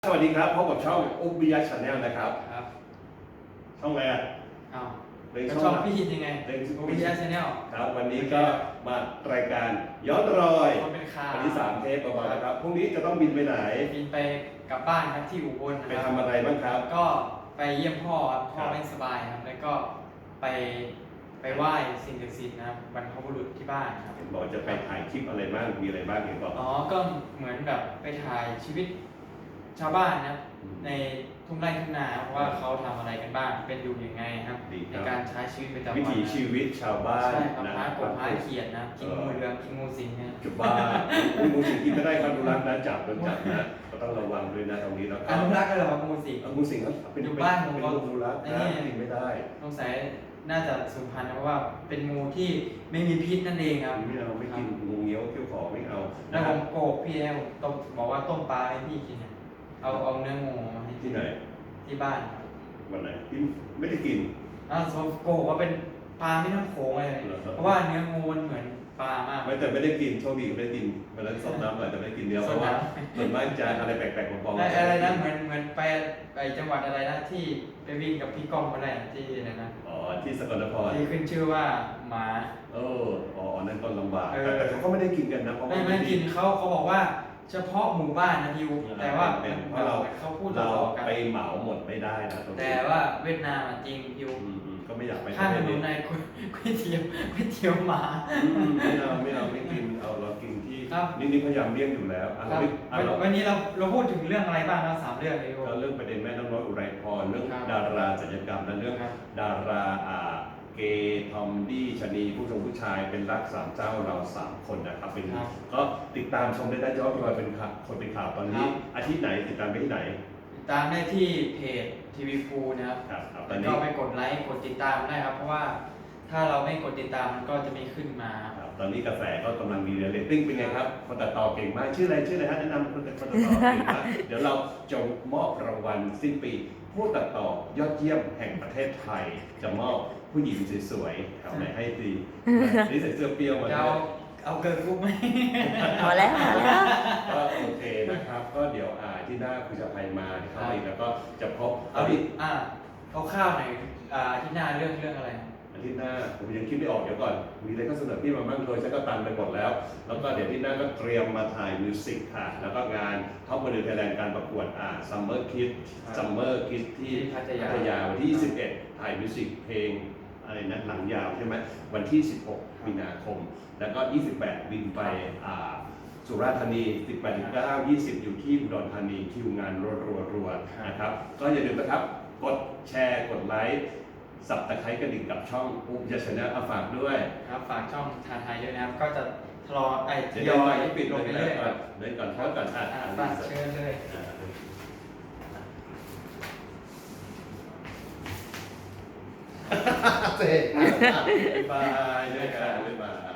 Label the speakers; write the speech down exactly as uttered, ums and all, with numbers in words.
Speaker 1: สวัสดีครับพบกับช่องอุ๊บวิยะชาแนลนะครับ
Speaker 2: ครับ
Speaker 1: ช่องอะไรอ่ะ
Speaker 2: อ้าว
Speaker 1: เป็น
Speaker 2: ก็
Speaker 1: ช่
Speaker 2: ช่
Speaker 1: อ
Speaker 2: อง งพี่ฮินยังไง
Speaker 1: เป็น
Speaker 2: อุ๊บวิยะชาแนล
Speaker 1: ครับวันนี้ก็มารายการย้อนรอย
Speaker 2: คนเป็นข่าว
Speaker 1: วันที่สามเทปประมาณนะครับพรุ่งนี้จะต้องบินไปไหน
Speaker 2: บินไปกลับบ้านครับที่อุบลนะ
Speaker 1: ไป
Speaker 2: ครับ
Speaker 1: ทำอะไรบ้างครับ
Speaker 2: ก็ไปเยี่ยมพ่อครับพ่อ
Speaker 1: ครับ
Speaker 2: ไม่สบายครับแล้วก็ไปไปไหว้สิ่งศักดิ์สิทธิ์นะครับบรรพบุรุษที่บ้านครับ
Speaker 1: เห็นบอกจะไปถ่ายคลิปอะไรบ้างมีอะไรบ้างเห็นบอก
Speaker 2: อ๋อก็เหมือนแบบไปถ่ายชีวิตชาวบ้านนะครับ
Speaker 1: อืม
Speaker 2: ในทุ่งไร่ทุ่งนาครับว่าเขาทำอะไรกันบ้างเป็นอยู่ยังไงครับ
Speaker 1: ดีค
Speaker 2: ใน
Speaker 1: รับ
Speaker 2: การใช้ชีวิตประจำวัน
Speaker 1: วิถีชีวิตชาวบ้าน
Speaker 2: ใช่ครับ
Speaker 1: นะ
Speaker 2: พากบพาเขียดนะกินงูเหลือมกินงูสิงเนี่ย
Speaker 1: จุดบ้านคุณมูสิงกินไม่ได้ครับดูรักนะจับโดนจับนะก็ต้องระวังด้วยนะตรงนี้แล้ว
Speaker 2: อ
Speaker 1: ก็
Speaker 2: นุรักษ์กันเหรอครับงูสิง
Speaker 1: เอางูสิงครับเป็น
Speaker 2: อยู่บ้านผม
Speaker 1: เป็น
Speaker 2: ก็
Speaker 1: งูรัก
Speaker 2: ไอ้
Speaker 1: นะ
Speaker 2: นี่
Speaker 1: กินไม่ได้
Speaker 2: สงสัยน่าจะสูญพันธุ์นะเพราะว่าเป็นงูที่ไม่มีพิษนั่นเองครับ
Speaker 1: ไม่เอาไม่กินงูเงี้ยวเขี้ยวขอไม่เอา
Speaker 2: แล้
Speaker 1: นะ
Speaker 2: ว
Speaker 1: ค
Speaker 2: ผ
Speaker 1: รับ
Speaker 2: มโกหกพี่นะผมต้มบอกว่าต้มปลาให้พี่กินเนี่ยเอาเอาเนื้องูมาให้
Speaker 1: ที่ไหน
Speaker 2: ที่บ้านครับ
Speaker 1: วันไหนที่ไม่ได้กิน
Speaker 2: อ้าวโกหกว่าเป็นปลาไม่น้ำโขงเลย
Speaker 1: เหรอครับ
Speaker 2: เพราะว่าเนื้องูมันเหมือนปลามาก
Speaker 1: ไม่แต่ไม่ได้กินโชคดีไม่ได้กินวันนั้นซดน้ำหน่อยแต่ไม่ได้กินเนื้อเพราะว่าส่วนมากจะอะไรแปลกๆปลอม
Speaker 2: ไอ้อะไรนะเหมือนเหมือนไปไปจังหวัดอะไรนะที่ไปวิ่งกับพี่ก้องมาได้ที่อะไรนะ
Speaker 1: อ๋อที่สกลนคร
Speaker 2: ที่ขึ้นชื่อว่าหมา
Speaker 1: เอออ๋ออันนั้นก็ลำบาก
Speaker 2: เออ
Speaker 1: แต่แต่เขาก็ไม่ได้กินกันนะเพราะ
Speaker 2: ไม่
Speaker 1: ว่า
Speaker 2: ไม่กินเขาเขาบอกว่าเฉพาะหมู่บ้านนะทิวแต่ว่า
Speaker 1: เป็นเพราะเรา
Speaker 2: เขาพูด
Speaker 1: เรา
Speaker 2: ต่อๆกัน
Speaker 1: ไปเหมาหมดไม่ได้นะตรงนี้
Speaker 2: แต่ว่าเวียดนามอะจริงทิว
Speaker 1: อืมอืมก็ไม่อยากไป
Speaker 2: ข้างถ
Speaker 1: ประ
Speaker 2: น
Speaker 1: เทศ
Speaker 2: นในก๋วยเตี๋ยวก๋วยเตี๋ยวหมา
Speaker 1: อืมไม่เอาไม่เอาไม่กินเอาเรากินที่
Speaker 2: ครับ
Speaker 1: นี่นี่พยายามเลี่ยงอยู่แล้วอ่ะ
Speaker 2: ครับ
Speaker 1: เราไม่อ่ะเรา
Speaker 2: วันนี้เราเราพูดถึงเรื่องอะไรบ้างเราสามเรื่องทิว
Speaker 1: ก็เรื่องประเด็นแม่น้องน้อยอุไรพรเรื่อง
Speaker 2: ครับ
Speaker 1: ดาราศัลยกรรมและเรื่อง
Speaker 2: ครับ
Speaker 1: ดาราอ่าเกย์ทอมดี้ชะนีผู้ชมผู้ชายเป็นรักสามเจ้าเราสามคนนะครับเป็น
Speaker 2: ครับ
Speaker 1: ก็ติดตามชมได้ได้ย้อนรอยเป็นข่าวคนเป็นข่าวตอนนี้
Speaker 2: ครับ
Speaker 1: อาทิตย์ไหนติดตามไปที่ไหน
Speaker 2: ติดตามได้ที่เพจทีวีฟูนะครับ
Speaker 1: ครับครับตอ
Speaker 2: แล้
Speaker 1: น
Speaker 2: ว
Speaker 1: นี้
Speaker 2: ก็ไปกดไลค์กดติดตามได้ครับ เพราะว่าถ้าเราไม่กดติดตามมันก็จะไม่ขึ้นมา
Speaker 1: ครับตอนนี้กระแสก็กำลังดีเลยเรตติ้งเป็นไงครับคนตัดต่อเก่งมากชื่ออะไรชื่ออะไรฮะแนะนำคนตัดต่อเก่งมากเดี๋ยวเราจะมอบรางวัลสิ้นปี ผู้ตัดต่อยอดเยี่ยมแห่งประเทศไทย จะมอบผู้หญิงสวยๆครับไหนให้ดีนี่ใส่เสื้อเปรี้ยวมา
Speaker 2: จะ
Speaker 1: ด้
Speaker 2: เอา
Speaker 1: วย
Speaker 2: เอาเกิร์ลกรุ๊ปไหม
Speaker 3: พอแล้วพอแล้ว
Speaker 1: ก็โอเคนะครับ ก็เดี๋ยวอ่าที่หน้าคุณจะภัยมาเข้ามาอีกแล้วก็จะพบ
Speaker 2: เอา
Speaker 1: เอา
Speaker 2: ดิ
Speaker 1: ดิ
Speaker 2: อ่าเอาข้าวหน่อยอ่าที่หน้าเรื่องเรื่องอะไร
Speaker 1: อาทิตย์หน้าผมยังคิดไม่ออกเดี๋ยวก่อน มีอะไรก็เสนอพี่มาบ้างโดยฉันก็ตันไปหมดแล้ว แล้วก็เดี๋ยวที่หน้าก็เตรียมมาถ่ายมิวสิกค่ะ แล้วก็งานท็อปโมเดลไทยแลนด์การประกวดอ่าซัมเมอร์คิด
Speaker 2: ครับ
Speaker 1: ซัมเมอร์คิดที่
Speaker 2: ที่พัทยา
Speaker 1: พัทยาวันที่ยี่สิบเอ็ดถ่ายมิวสิกเพลงอะไรนะหนังยาวใช่ไหมวันที่สิบหกมีนาคม แล้วก็ยี่สิบแปดบินไปอ่า สุราษฎร์ธานีสิบแปดถึงเก้า ยี่สิบอยู่ที่อุดรธานีคิวงานรัวๆๆนะครับ ก็อย่าลืมนะครับ กดแชร์ กดไลค์ สับตะไคร้กระดิ่งกับช่องอุ๊บยะชนะเอาฝากด้วย
Speaker 2: ครับฝากช่องทาไทยด้วยนะครับ ก็จะทรอไอ้ท
Speaker 1: เดี๋ยวย
Speaker 2: อย
Speaker 1: ให้ปิด
Speaker 2: ล
Speaker 1: ล
Speaker 2: ง
Speaker 1: ง
Speaker 2: ไป
Speaker 1: ไป
Speaker 2: เรื่
Speaker 1: เรื่
Speaker 2: อ
Speaker 1: อย ย
Speaker 2: ค
Speaker 1: ก่อ
Speaker 2: รั
Speaker 1: น
Speaker 2: บ
Speaker 1: เดี๋ยวก่อนเพราะก่อนอ่าน
Speaker 2: อ่า
Speaker 1: อ่าน
Speaker 2: ฝากเชิญเลย
Speaker 1: อ่าเสร็จบ๊ายบายด้วยกันบ๊ายบาย